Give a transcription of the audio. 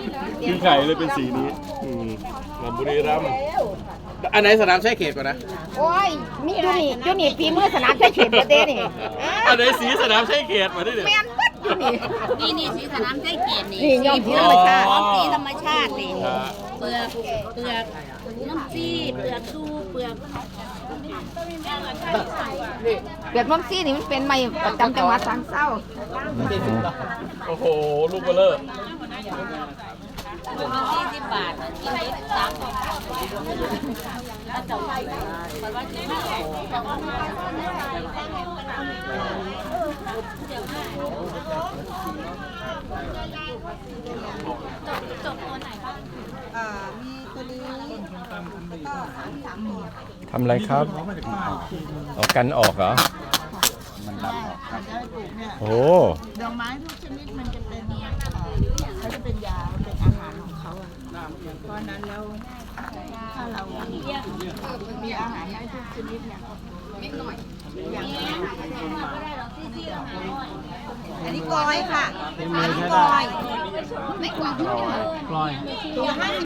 กินไข่เลยเป็นสีนี้มาบุรีรัมย์อันไหนสนามใช้เขตก่อนนะโอ้ยมีอยู่นี่ปีมือสนามใช้เขตประเทศนี่อันไหนสีสนามใช่เขตมาดิเดี๋ยวแมนปัดอยู่นี่นี่สีสนามใจเกียรตินี่นี่ยอมสีธรรมชาติสีธรรมชาตินี่เปลือกน้ำซีเปลือกดูเปลือกเกิดมัมซี่นี่มันเป็นไม้ประจำจังหวัดสังเศร้าโอ้โหลูกเบลเลอร์ 40 บาทกินได้3คนถ้าเจ้าไปมันว่ากินไม่จบตัวไหนบ้างมีตัวนี้แล้วก็3ตัวทำอะไรครับเอากันออกเหรอมันดับออกครับโอ้ดอกไม้ทุกชนิดมันจะเป็นเขาจะเป็นยาเป็นอาหารของเขาอ่ะเพราะนั้นแล้วถ้าเรามีอาหารได้ทุกชนิดเนี่ยนิดหน่อยอย่างอันนี้กอยค่ะอันนี้กอยไม่กว่า